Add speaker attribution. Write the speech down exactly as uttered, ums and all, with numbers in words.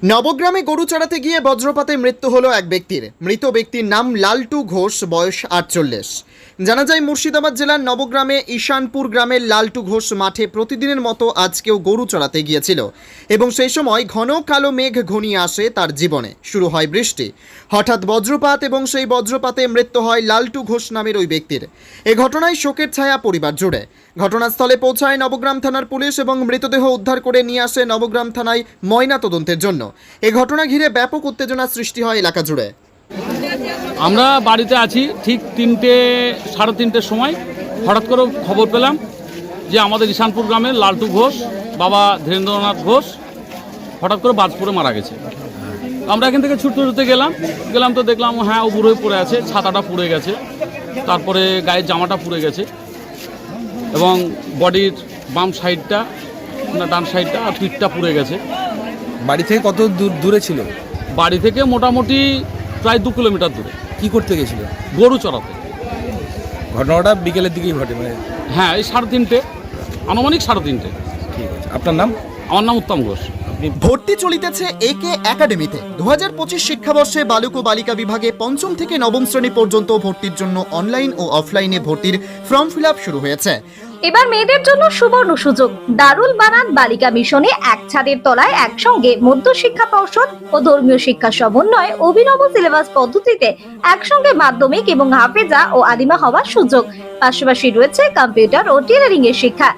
Speaker 1: নবগ্রামে গরু চড়াতে গিয়ে বজ্রপাতে মৃত্যু হলো এক ব্যক্তির। মৃত ব্যক্তির নাম লালটু ঘোষ, বয়স আটচল্লিশ। জানা যায় মুর্শিদাবাদ জেলার নবগ্রামে ঈশানপুর গ্রামের লালটু ঘোষ মাঠে প্রতিদিনের মতো আজকেও গরু চড়াতে গিয়েছিল এবং সেই সময় ঘন কালো মেঘ ঘনিয়ে আসে তার জীবনে। শুরু হয় বৃষ্টি, হঠাৎ বজ্রপাত এবং সেই বজ্রপাতে মৃত্যু হয় লালটু ঘোষ নামের ওই ব্যক্তির। এ ঘটনায় শোকের ছায়া পরিবার জুড়ে। ঘটনাস্থলে পৌঁছায় নবগ্রাম থানার পুলিশ এবং মৃতদেহ উদ্ধার করে নিয়ে আসে নবগ্রাম থানায় ময়না তদন্তের জন্য। এ ঘটনা ঘিরে ব্যাপক উত্তেজনা সৃষ্টি হয় এলাকা জুড়ে।
Speaker 2: আমরা বাড়িতে আছি, ঠিক তিনটে সাড়ে তিনটের সময় হঠাৎ করে খবর পেলাম যে আমাদের ঈশানপুর গ্রামের লালটু ঘোষ, বাবা ধীরেন্দ্রনাথ ঘোষ, হঠাৎ করে বাজ পড়ে মারা গেছে। আমরা এখান থেকে ছুটতে ছুটতে গেলাম গেলাম তো দেখলাম হ্যাঁ ও বুড়ো হয়ে পড়ে আছে, ছাতাটা পুড়ে গেছে, তারপরে গায়ের জামাটা পুড়ে গেছে এবং বডির বাম সাইডটা না ডান সাইডটা আর পিঠটা পুড়ে গেছে।
Speaker 3: বাড়ি থেকে কত দূর দূরে ছিল?
Speaker 2: বাড়ি থেকে মোটামুটি প্রায় দু কিলোমিটার দূরে।
Speaker 3: কি করতে গেছিল?
Speaker 2: গরু চড়াতে।
Speaker 3: ঘটনাটা বিকেলের দিকেই ঘটে মানে?
Speaker 2: হ্যাঁ, এই সাড়ে তিনটে, আনুমানিক সাড়ে তিনটে।
Speaker 3: ঠিক আছে, আপনার নাম?
Speaker 2: আমার নাম উত্তম ঘোষ।
Speaker 1: ভর্তি চলিতেছে একে একাডেমিতে। দু হাজার পঁচিশ শিক্ষাবর্ষে বালক ও বালিকা বিভাগে পঞ্চম থেকে নবম শ্রেণী পর্যন্ত ভর্তির জন্য অনলাইন ও অফলাইনে ভর্তির ফর্ম ফিল আপ শুরু হয়েছে।
Speaker 4: এবার মেয়েদের জন্য সুবর্ণ সুযোগ। দারুল বানান বালিকা মিশনে এক ছাদের তলায় একসঙ্গে মধ্য শিক্ষা পর্ষদ ও ধর্মীয় শিক্ষা সমন্বয়ে অভিনব সিলেবাস পদ্ধতিতে একসঙ্গে মাধ্যমিক এবং হাফেজা ও আদিমা হওয়ার সুযোগ। পাশাপাশি রয়েছে কম্পিউটার ও টেলারিং এর শিক্ষা।